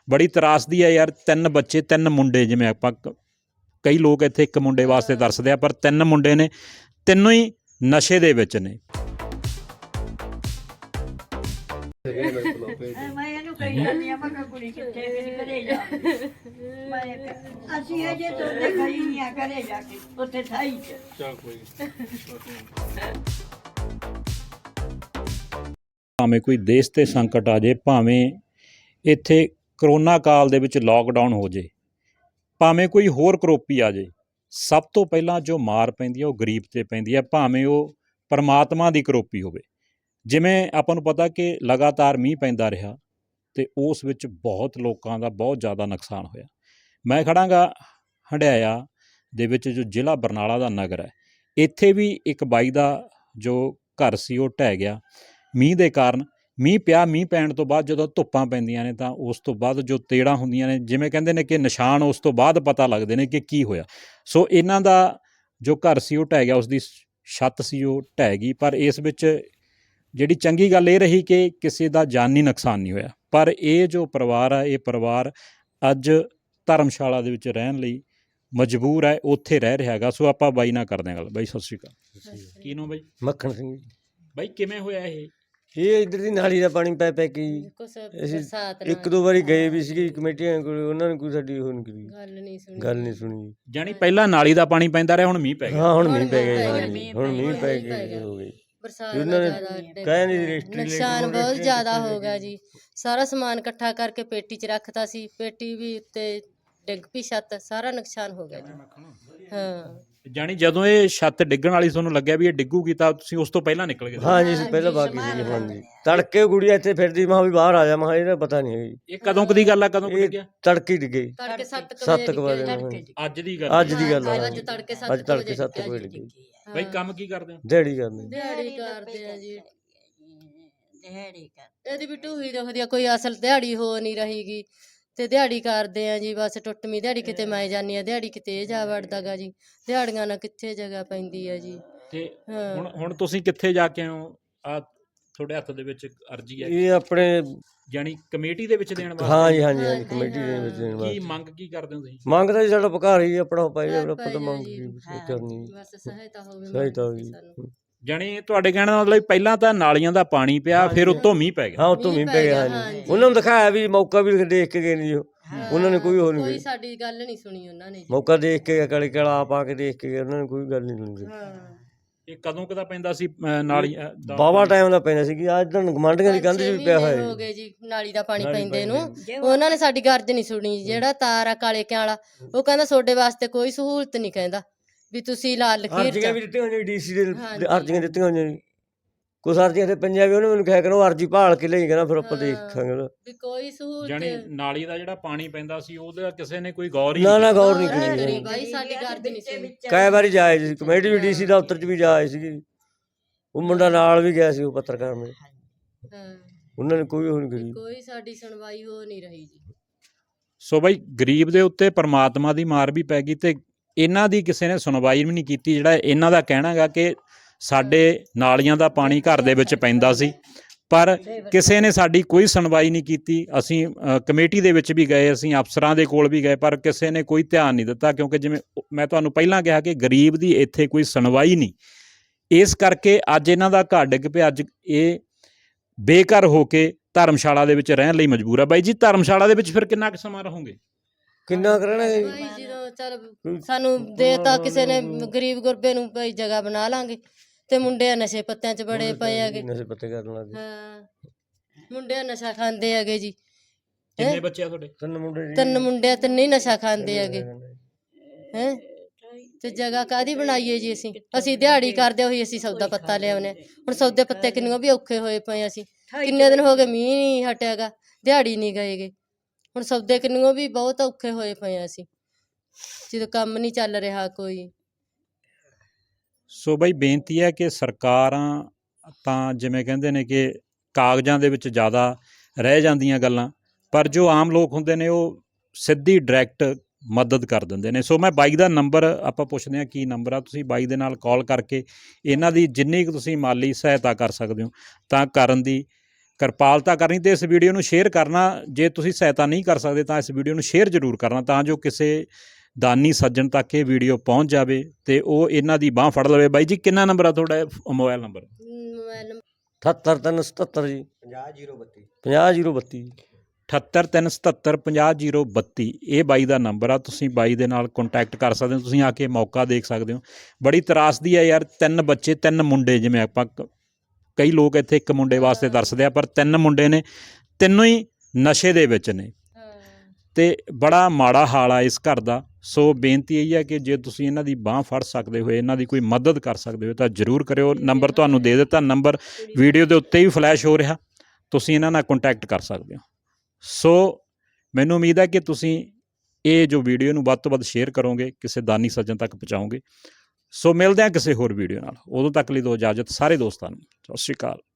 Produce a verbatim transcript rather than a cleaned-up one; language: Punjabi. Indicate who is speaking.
Speaker 1: बड़ी त्रासदी है यार। तीन बच्चे तीन मुंडे, जिवें आपां कई लोग इत्थे एक मुंडे वास्ते तरसदे आ, पर तीन मुंडे ने, तीनों ही नशे दे विच ने।
Speaker 2: ਮੈਂ ਇਹਨੂੰ ਕਹੀ ਜਾਂਦੀ ਆ, ਮੈਂ ਕਿਹਾ ਕੁੜੀ ਕਿੱਥੇ ਗਈ, ਘਰੇ ਜਾ ਮੈਂ ਕਿਹਾ ਅਸੀਂ ਅਜੇ ਤੋਂ ਗਈ ਨਹੀਂ ਆ, ਘਰੇ ਜਾ ਕੇ ਉੱਥੇ ਥਾਈ ਚ।
Speaker 3: ਚੱਲ ਕੋਈ
Speaker 1: ਭਾਵੇਂ ਕੋਈ ਦੇਸ਼ ਤੇ ਸੰਕਟ ਆ ਜੇ, ਭਾਵੇਂ ਇੱਥੇ ਕਰੋਨਾ ਕਾਲ ਦੇ ਵਿੱਚ ਲੋਕਡਾਊਨ ਹੋ ਜੇ, ਭਾਵੇਂ ਕੋਈ ਹੋਰ ਕਰੋਪੀ ਆ ਜੇ, ਸਭ ਤੋਂ ਪਹਿਲਾਂ ਜੋ ਮਾਰ ਪੈਂਦੀ ਹੈ ਉਹ ਗਰੀਬ 'ਤੇ ਪੈਂਦੀ ਹੈ, ਭਾਵੇਂ ਉਹ ਪਰਮਾਤਮਾ ਦੀ ਕਰੋਪੀ ਹੋਵੇ। ਜਿਵੇਂ ਆਪਾਂ ਨੂੰ ਪਤਾ ਕਿ ਲਗਾਤਾਰ ਮੀਂਹ ਪੈਂਦਾ ਰਿਹਾ ਅਤੇ ਉਸ ਵਿੱਚ ਬਹੁਤ ਲੋਕਾਂ ਦਾ ਬਹੁਤ ਜ਼ਿਆਦਾ ਨੁਕਸਾਨ ਹੋਇਆ। ਮੈਂ ਖੜਾਂਗਾ ਹੰਢਿਆਇਆ ਦੇ ਵਿੱਚ, ਜੋ ਜ਼ਿਲ੍ਹਾ ਬਰਨਾਲਾ ਦਾ ਨਗਰ ਹੈ। ਇੱਥੇ ਵੀ ਇੱਕ ਬਾਈ ਦਾ ਜੋ ਘਰ ਸੀ ਉਹ ਢਹਿ ਗਿਆ ਮੀਂਹ ਦੇ ਕਾਰਨ। ਮੀਂਹ ਪਿਆ, ਮੀਂਹ ਪੈਣ ਤੋਂ ਬਾਅਦ ਜਦੋਂ ਧੁੱਪਾਂ ਪੈਂਦੀਆਂ ਨੇ ਤਾਂ ਉਸ ਤੋਂ ਬਾਅਦ ਜੋ ਤੇੜਾਂ ਹੁੰਦੀਆਂ ਨੇ, ਜਿਵੇਂ ਕਹਿੰਦੇ ਨੇ ਕਿ ਨਿਸ਼ਾਨ ਉਸ ਤੋਂ ਬਾਅਦ ਪਤਾ ਲੱਗਦੇ ਨੇ ਕਿ ਕੀ ਹੋਇਆ। ਸੋ ਇਹਨਾਂ ਦਾ ਜੋ ਘਰ ਸੀ ਉਹ ਢਹਿ ਗਿਆ, ਉਸ ਦੀ ਛੱਤ ਸੀ ਉਹ ਢਹਿ ਗਈ। ਪਰ ਇਸ ਵਿੱਚ ਜਿਹੜੀ ਚੰਗੀ ਗੱਲ ਇਹ ਰਹੀ ਕਿ ਕਿਸੇ ਦਾ ਜਾਨੀ ਨੁਕਸਾਨ ਨਹੀਂ ਹੋਇਆ। ਪਰ ਇਹ ਜੋ ਪਰਿਵਾਰ ਆ, ਇਹ ਪਰਿਵਾਰ ਅੱਜ ਧਰਮਸ਼ਾਲਾ ਦੇ ਵਿੱਚ ਰਹਿਣ ਲਈ ਮਜਬੂਰ ਹੈ, ਉੱਥੇ ਰਹਿ ਰਿਹਾ ਹੈਗਾ। ਸੋ ਆਪਾਂ ਬਾਈ ਨਾਲ ਕਰਦੇ ਹਾਂ ਗੱਲ। ਬਾਈ ਸਤਿ ਸ਼੍ਰੀ ਅਕਾਲ। ਕੀ ਨਾਮ ਬਾਈ?
Speaker 4: ਮੱਖਣ ਸਿੰਘ ਜੀ।
Speaker 1: ਬਾਈ ਕਿਵੇਂ ਹੋਇਆ ਇਹ?
Speaker 4: ਇਹ ਇੱਧਰ ਦੀ ਨਾਲੀ ਦਾ ਪਾਣੀ ਪੈ ਪੈ ਕੇ ਜੀ ਅਸੀਂ ਇੱਕ ਦੋ ਵਾਰੀ ਗਏ ਵੀ ਸੀਗੇ ਕਮੇਟੀਆਂ ਕੋਲ, ਉਹਨਾਂ ਨੇ ਕੋਈ ਸਾਡੀ ਉਹ ਨਹੀਂ ਕਰੀ, ਗੱਲ ਨਹੀਂ ਸੁਣੀ ਗੱਲ ਨਹੀਂ ਸੁਣੀ
Speaker 1: ਜਾਣੀ ਪਹਿਲਾਂ ਨਾਲੀ ਦਾ ਪਾਣੀ ਪੈਂਦਾ ਰਿਹਾ, ਹੁਣ ਮੀਂਹ ਪੈ ਗਿਆ।
Speaker 4: ਹਾਂ ਹੁਣ ਮੀਂਹ ਪੈ ਗਿਆ, ਹੁਣ ਮੀਂਹ ਪੈ ਗਿਆ ਹੋ ਗਈ। ਉਹਨਾਂ ਨੇ ਕਹਿ ਨਹੀਂ ਰਜਿਸਟਰੀ
Speaker 5: ਨੁਕਸਾਨ ਬਹੁਤ ਜ਼ਿਆਦਾ ਹੋ ਗਿਆ ਜੀ। ਸਾਰਾ ਸਮਾਨ ਇਕੱਠਾ ਕਰਕੇ ਪੇਟੀ 'ਚ ਰੱਖਤਾ ਸੀ, ਪੇਟੀ ਵੀ ਉੱਤੇ ਡਿੱਗ ਪਈ, ਛੱਤ ਸਾਰਾ ਨੁਕਸਾਨ ਹੋ ਗਿਆ ਜੀ। ਹਾਂ
Speaker 1: ਜਾਣੀ ਜਦੋਂ ਇਹ ਛੱਤ ਡਿੱਗਣ ਵਾਲੀ ਤੁਹਾਨੂੰ ਲੱਗਿਆ ਵੀ ਇਹ ਡਿੱਗੂਗੀ ਤਾਂ ਤੁਸੀਂ ਉਸ ਤੋਂ ਪਹਿਲਾਂ ਨਿਕਲ ਗਏ?
Speaker 4: ਹਾਂ ਜੀ, ਅਸੀਂ ਪਹਿਲਾਂ ਬਾਕੀ ਸੀ। ਹਾਂਜੀ, ਤੜਕੇ ਗੁੜੀਆ ਇੱਥੇ ਫਿਰਦੀ, ਮੈਂ ਵੀ ਬਾਹਰ ਆ ਜਾ, ਮੈਂ ਇਹਦਾ ਪਤਾ ਨਹੀਂ ਹੈ ਜੀ।
Speaker 1: ਇਹ ਕਦੋਂ ਕਦੀ ਗੱਲ ਆ, ਕਦੋਂ ਡਿੱਗਿਆ?
Speaker 4: ਤੜਕੇ ਡਿੱਗੇ,
Speaker 5: ਤੜਕੇ ਸੱਤ
Speaker 4: ਸੱਤ ਕੁ ਵਜੇ।
Speaker 1: ਅੱਜ ਦੀ ਗੱਲ?
Speaker 4: ਅੱਜ ਦੀ ਗੱਲ ਆ,
Speaker 5: ਅੱਜ ਤੜਕੇ
Speaker 4: ਅੱਜ ਤੜਕੇ ਸੱਤ ਵਜੇ ਡਿੱਗੇ।
Speaker 1: ਬਾਈ ਕੰਮ ਕੀ ਕਰਦੇ ਹੋ?
Speaker 4: ਦਿਹਾੜੀ ਕਰਦੇ।
Speaker 5: ਦਿਹਾੜੀ ਕਰਦੇ ਆ ਜੀ।
Speaker 2: ਦਿਹਾੜੀ ਕਰ
Speaker 5: ਇਹਦੀ ਵੀ ਢੂਹੀ ਦੁਖਦੀ ਆ, ਕੋਈ ਅਸਲ ਦਿਹਾੜੀ ਹੋ ਨਹੀਂ ਰਹੀਗੀ ਤੇ ਦਿਹਾੜੀ ਕਰਦੇ ਆ ਜੀ। ਬਸ ਟੁੱਟਵੀਂ ਦਿਹਾੜੀ, ਕਿਤੇ ਮੈਂ ਜਾਂਦੀ ਆ ਦਿਹਾੜੀ, ਕਿਤੇ ਇਹ ਜਾ ਵੜਦਾ ਗਾ ਜੀ। ਦਿਹਾੜੀਆਂ ਨਾਲ ਕਿੱਥੇ ਜਗ੍ਹਾ ਪੈਂਦੀ ਆ ਜੀ।
Speaker 1: ਤੇ ਹੁਣ ਹੁਣ ਤੁਸੀਂ ਕਿੱਥੇ ਜਾ ਕੇ ਆਏ ਹੋ? ਆ ਤੁਹਾਡੇ ਹੱਥ ਦੇ ਵਿੱਚ ਅਰਜੀ ਹੈ,
Speaker 4: ਇਹ ਆਪਣੇ
Speaker 1: ਜਾਨੀ ਕਮੇਟੀ ਦੇ ਵਿੱਚ ਦੇਣ ਵਾਸਤੇ?
Speaker 4: ਹਾਂ ਜੀ, ਹਾਂਜੀ ਹਾਂਜੀ, ਕਮੇਟੀ ਦੇ ਵਿੱਚ ਦੇਣ ਵਾਸਤੇ।
Speaker 1: ਕੀ ਮੰਗ ਕੀ ਕਰਦੇ ਹੋ ਤੁਸੀਂ?
Speaker 4: ਮੰਗਦਾ ਜੀ ਸਾਡਾ ਪਕਾਰ ਹੀ ਆਪਣਾ ਪਾਈ, ਆਪਣਾ ਪਤਾ ਮੰਗ ਕੀ ਕਰਨੀ,
Speaker 5: ਬਸ ਸਹਾਇਤਾ ਹੋਵੇ
Speaker 4: ਸਹਾਇਤਾ ਹੋਈ।
Speaker 1: ਜਾਣੀ ਤੁਹਾਡੇ ਕਹਿਣ ਦਾ ਮਤਲਬ ਪਹਿਲਾਂ ਤਾਂ ਨਾਲੀਆਂ ਦਾ ਪਾਣੀ ਪਿਆ, ਫਿਰ ਉੱਤੋਂ ਮੀਂਹ ਪੈ ਗਿਆ।
Speaker 4: ਹਾਂ, ਉੱਤੋਂ ਮੀਂਹ ਪੈ ਗਿਆ। ਹਾਂਜੀ, ਉਹਨਾਂ ਨੂੰ ਦਿਖਾਇਆ ਵੀ ਮੌਕਾ ਵੀ ਦੇਖ ਕੇ ਗਏ ਨਹੀਂ, ਉਹਨਾਂ ਨੇ ਕੋਈ ਹੋਰ
Speaker 5: ਕੋਈ
Speaker 4: ਨਹੀਂ,
Speaker 5: ਸਾਡੀ ਗੱਲ ਨਹੀਂ ਸੁਣੀ ਉਹਨਾਂ ਨੇ ਜੀ।
Speaker 4: ਮੌਕਾ ਦੇਖ ਕੇ ਕਾਲੇ ਕਾਲਾ ਆਪ ਆ ਕੇ ਦੇਖ ਕੇ ਗਏ, ਉਹਨਾਂ ਨੇ ਕੋਈ ਗੱਲ ਨਹੀਂ ਸੁਣੀ।
Speaker 1: ਇਹ ਕਦੋਂ ਕਦਾ ਪੈਂਦਾ ਸੀ ਨਾਲੀ ਦਾ?
Speaker 4: ਬਾਵਾ ਟਾਈਮ ਦਾ ਪੈਂਦਾ ਸੀ ਕਿ ਅੱਜ ਤਾਂ ਗਮਾਂਡੀਆਂ ਦੀ ਕੰਧ 'ਚ ਵੀ ਪਿਆ ਹੋਇਆ
Speaker 5: ਹੋ ਗਏ ਜੀ ਨਾਲੀ ਦਾ ਪਾਣੀ ਪੈਂਦੇ ਨੂੰ। ਉਹਨਾਂ ਨੇ ਸਾਡੀ ਗਰਜ ਨਹੀਂ ਸੁਣੀ। ਜਿਹੜਾ ਤਾਰ ਆ ਕਾਲੇ ਕਿਆਂ ਵਾਲਾ, ਉਹ ਕਹਿੰਦਾ ਤੁਹਾਡੇ ਵਾਸਤੇ ਕੋਈ ਸਹੂਲਤ ਨਹੀਂ, ਕਹਿੰਦਾ ਵੀ ਤੁਸੀਂ ਲਾਲ ਲਖੀਰ
Speaker 4: ਅਰਜ਼ੀਆਂ ਵੀ ਦਿੱਤੀਆਂ ਹੋਈਆਂ ਡੀਸੀ ਦੇ, ਅਰਜ਼ੀਆਂ ਦਿੱਤੀਆਂ ਹੋਈਆਂ ਜੀ। ਕੁਛ ਅਰਜ਼ੀਆਂ ਤੇ ਪੰਜਾਂ ਵੀ ਉਹਨੇ ਮੈਨੂੰ ਕਿਹਾ ਕਰੋ ਅਰਜ਼ੀ ਭਾਲ ਕੇ ਲਈ, ਕਹਿੰਦਾ ਫਿਰ ਆਪਾਂ ਦੇਖਾਂਗੇ
Speaker 5: ਵੀ ਕੋਈ ਸਹੂਲਤ।
Speaker 1: ਜਾਣੀ ਨਾਲੀ ਦਾ ਜਿਹੜਾ ਪਾਣੀ ਪੈਂਦਾ ਸੀ ਉਹਦਾ ਕਿਸੇ ਨੇ ਕੋਈ ਗੌਰ ਹੀ
Speaker 4: ਨਾ ਨਾ ਗੌਰ ਨਹੀਂ ਕੀਤੀ
Speaker 5: ਬਾਈ, ਸਾਡੀ ਗਰਜ ਨਹੀਂ ਸੁਣੀ।
Speaker 4: ਕਈ ਵਾਰੀ ਜਾਏ ਸੀ ਕਮੇਟੀ ਵੀ, ਡੀਸੀ ਦਫ਼ਤਰ 'ਚ ਵੀ ਜਾਏ ਸੀਗੀ। ਉਹ ਮੁੰਡਾ ਨਾਲ ਵੀ ਗਿਆ ਸੀ, ਉਹ ਪੱਤਰਕਾਰ ਮੇਰੇ,
Speaker 5: ਹਾਂ
Speaker 4: ਉਹਨਾਂ ਨੇ ਕੋਈ ਉਹ ਨਹੀਂ ਕਰੀ।
Speaker 5: ਕੋਈ ਸਾਡੀ ਸੁਣਵਾਈ ਹੋ ਨਹੀਂ ਰਹੀ ਜੀ।
Speaker 1: ਸੋ ਬਾਈ ਗਰੀਬ ਦੇ ਉੱਤੇ ਪਰਮਾਤਮਾ ਦੀ ਮਾਰ ਵੀ ਪੈ ਗਈ ਤੇ ਇਹਨਾਂ ਦੀ ਕਿਸੇ ਨੇ ਸੁਣਵਾਈ ਵੀ ਨਹੀਂ ਕੀਤੀ। ਜਿਹੜਾ ਇਹਨਾਂ ਦਾ ਕਹਿਣਾ ਗਾ ਕਿ ਸਾਡੇ ਨਾਲੀਆਂ ਦਾ ਪਾਣੀ ਘਰ ਦੇ ਵਿੱਚ ਪੈਂਦਾ ਸੀ, ਪਰ ਕਿਸੇ ਨੇ ਸਾਡੀ ਕੋਈ ਸੁਣਵਾਈ ਨਹੀਂ ਕੀਤੀ। ਅਸੀਂ ਕਮੇਟੀ ਦੇ ਵਿੱਚ ਵੀ ਗਏ, ਅਸੀਂ ਅਫਸਰਾਂ ਦੇ ਕੋਲ ਵੀ ਗਏ, ਪਰ ਕਿਸੇ ਨੇ ਕੋਈ ਧਿਆਨ ਨਹੀਂ ਦਿੱਤਾ। ਕਿਉਂਕਿ ਜਿਵੇਂ ਮੈਂ ਤੁਹਾਨੂੰ ਪਹਿਲਾਂ ਕਿਹਾ ਕਿ ਗਰੀਬ ਦੀ ਇੱਥੇ ਕੋਈ ਸੁਣਵਾਈ ਨਹੀਂ। ਇਸ ਕਰਕੇ ਅੱਜ ਇਹਨਾਂ ਦਾ ਘਰ ਡਿੱਗ ਪਿਆ। ਅੱਜ ਇਹ ਬੇਘਰ ਹੋ ਕੇ ਧਰਮਸ਼ਾਲਾ ਦੇ ਵਿੱਚ ਰਹਿਣ ਲਈ ਮਜਬੂਰ ਆ। ਬਾਈ ਜੀ, ਧਰਮਸ਼ਾਲਾ ਦੇ ਵਿੱਚ ਫਿਰ ਕਿੰਨਾ ਕੁ ਸਮਾਂ ਰਹੋਗੇ?
Speaker 4: ਕਿੰਨਾ ਕਰਨਾ ਜੀ?
Speaker 5: ਭਾਈ ਜਦੋਂ ਚੱਲ ਸਾਨੂੰ ਦੇਤਾ ਕਿਸੇ ਨੇ, ਗਰੀਬ ਗੁਰਬੇ ਨੂੰ ਭਾਈ ਜਗ੍ਹਾ ਬਣਾ ਲਾਂਗੇ। ਤੇ ਮੁੰਡੇ ਨਸ਼ੇ ਪੱਤਿਆਂ 'ਚ ਬੜੇ ਪਏ ਹੈਗੇ।
Speaker 4: ਨਸ਼ੇ ਪੱਤੇ ਕਰਨ ਲੱਗ ਗਏ।
Speaker 5: ਹਾਂ, ਮੁੰਡੇ ਨਸ਼ਾ ਖਾਂਦੇ ਹੈਗੇ ਜੀ।
Speaker 1: ਕਿੰਨੇ ਬੱਚੇ ਆ ਤੁਹਾਡੇ?
Speaker 4: ਤਿੰਨ ਮੁੰਡੇ ਜੀ।
Speaker 5: ਤਿੰਨ ਮੁੰਡੇ, ਤਿੰਨੇ ਹੀ ਨਸ਼ਾ ਖਾਂਦੇ ਹੈਗੇ। ਹੈ ਤੇ ਜਗ੍ਹਾ ਕਾਹਦੀ ਬਣਾਈਏ ਜੀ? ਅਸੀਂ ਅਸੀਂ ਦਿਹਾੜੀ ਕਰਦੇ ਹੋਈ ਅਸੀਂ ਸੌਦਾ ਪੱਤਾ ਲਿਆਉਨੇ। ਹੁਣ ਸੌਦੇ ਪੱਤੇ ਕਿੰਨੇ ਵੀ ਔਖੇ ਹੋਏ ਪਏ। ਅਸੀਂ ਕਿੰਨੇ ਦਿਨ ਹੋ ਗਏ ਮੀਂਹ ਨਹੀਂ ਹਟਿਆਗਾ, ਦਿਹਾੜੀ ਨਹੀਂ ਗਏਗੇ। ਹੁਣ ਸੌਦੇ ਕਿੰਨੇ ਵੀ ਬਹੁਤ ਔਖੇ ਹੋਏ ਪਏ ਅਸੀਂ, ਜਦੋਂ ਕੰਮ ਨਹੀਂ ਚੱਲ ਰਿਹਾ ਕੋਈ।
Speaker 1: ਸੋ ਬਾਈ ਬੇਨਤੀ ਹੈ ਕਿ ਸਰਕਾਰਾਂ ਤਾਂ ਜਿਵੇਂ ਕਹਿੰਦੇ ਨੇ ਕਿ ਕਾਗਜ਼ਾਂ ਦੇ ਵਿੱਚ ਜ਼ਿਆਦਾ ਰਹਿ ਜਾਂਦੀਆਂ ਗੱਲਾਂ, ਪਰ ਜੋ ਆਮ ਲੋਕ ਹੁੰਦੇ ਨੇ ਉਹ ਸਿੱਧੀ ਡਾਇਰੈਕਟ ਮਦਦ ਕਰ ਦਿੰਦੇ ਨੇ। ਸੋ ਮੈਂ ਬਾਈ ਦਾ ਨੰਬਰ ਆਪਾਂ ਪੁੱਛਦੇ ਹਾਂ ਕੀ ਨੰਬਰ ਆ, ਤੁਸੀਂ ਬਾਈ ਦੇ ਨਾਲ ਕਾਲ ਕਰਕੇ ਇਹਨਾਂ ਦੀ ਜਿੰਨੀ ਕੁ ਤੁਸੀਂ ਮਾਲੀ ਸਹਾਇਤਾ ਕਰ ਸਕਦੇ ਹੋ ਤਾਂ ਕਰਨ ਦੀ ਕਿਰਪਾਲਤਾ ਕਰਨੀ ਤੇ ਇਸ ਵੀਡੀਓ ਨੂੰ ਸ਼ੇਅਰ ਕਰਨਾ। ਜੇ ਤੁਸੀਂ ਸਹਾਇਤਾ ਨਹੀਂ ਕਰ ਸਕਦੇ ਤਾਂ ਇਸ ਵੀਡੀਓ ਨੂੰ ਸ਼ੇਅਰ ਜ਼ਰੂਰ ਕਰਨਾ, ਤਾਂ ਜੋ ਕਿਸੇ ਦਾਨੀ ਸੱਜਣ ਤੱਕ ਇਹ ਵੀਡੀਓ ਪਹੁੰਚ ਜਾਵੇ ਤੇ ਉਹ ਇਹਨਾਂ ਦੀ ਬਾਂਹ ਫੜ ਲਵੇ। ਬਾਈ ਜੀ ਕਿੰਨਾ ਨੰਬਰ ਆ ਤੁਹਾਡਾ ਮੋਬਾਈਲ ਨੰਬਰ?
Speaker 5: ਮੋਬਾਈਲ
Speaker 4: ਅਠੱਤਰ ਤਿੰਨ ਸਤੱਤਰ ਜੀ ਪੰਜਾਹ ਜ਼ੀਰੋ ਬੱਤੀ ਪੰਜਾਹ ਜ਼ੀਰੋ ਬੱਤੀ
Speaker 1: ਅਠੱਤਰ ਤਿੰਨ ਸਤੱਤਰ ਪੰਜਾਹ ਜ਼ੀਰੋ ਬੱਤੀ ਇਹ ਬਾਈ ਦਾ ਨੰਬਰ ਆ। ਤੁਸੀਂ ਬਾਈ ਦੇ ਨਾਲ ਕੰਟੈਕਟ ਕਰ ਸਕਦੇ ਹੋ, ਤੁਸੀਂ ਆ ਕੇ ਮੌਕਾ ਦੇਖ ਸਕਦੇ ਹੋ। ਬੜੀ ਤਰਾਸਦੀ ਹੈ ਯਾਰ, ਤਿੰਨ ਬੱਚੇ ਤਿੰਨ ਮੁੰਡੇ, ਜਿਵੇਂ ਆਪਾਂ ਕਈ ਲੋਕ ਇੱਥੇ ਇੱਕ ਮੁੰਡੇ ਵਾਸਤੇ ਤਰਸਦੇ ਆ, ਪਰ ਤਿੰਨ ਮੁੰਡੇ ਨੇ, ਤਿੰਨੋਂ ਹੀ ਨਸ਼ੇ ਦੇ ਵਿੱਚ ਨੇ ਤੇ ਬੜਾ ਮਾੜਾ ਹਾਲ ਆ ਇਸ ਘਰ ਦਾ। ਸੋ ਬੇਨਤੀ ਇਹੀ ਹੈ ਕਿ ਜੇ ਤੁਸੀਂ ਇਹਨਾਂ ਦੀ ਬਾਂਹ ਫੜ ਸਕਦੇ ਹੋਏ, ਇਹਨਾਂ ਦੀ ਕੋਈ ਮਦਦ ਕਰ ਸਕਦੇ ਹੋ ਤਾਂ ਜ਼ਰੂਰ ਕਰਿਓ। ਨੰਬਰ ਤੁਹਾਨੂੰ ਦੇ ਦਿੱਤਾ, ਨੰਬਰ ਵੀਡੀਓ ਦੇ ਉੱਤੇ ਹੀ ਫਲੈਸ਼ ਹੋ ਰਿਹਾ, ਤੁਸੀਂ ਇਹਨਾਂ ਨਾਲ ਕੰਟੈਕਟ ਕਰ ਸਕਦੇ ਹੋ। ਸੋ ਮੈਨੂੰ ਉਮੀਦ ਹੈ ਕਿ ਤੁਸੀਂ ਇਹ ਜੋ ਵੀਡੀਓ ਨੂੰ ਵੱਧ ਤੋਂ ਵੱਧ ਸ਼ੇਅਰ ਕਰੋਗੇ, ਕਿਸੇ ਦਾਨੀ ਸੱਜਣ ਤੱਕ ਪਹੁੰਚਾਓਗੇ। ਸੋ ਮਿਲਦੇ ਹਾਂ ਕਿਸੇ ਹੋਰ ਵੀਡੀਓ ਨਾਲ, ਉਦੋਂ ਤੱਕ ਲਈ ਦਿਓ ਇਜਾਜ਼ਤ ਸਾਰੇ ਦੋਸਤਾਂ ਨੂੰ। ਸਤਿ ਸ਼੍ਰੀ ਅਕਾਲ।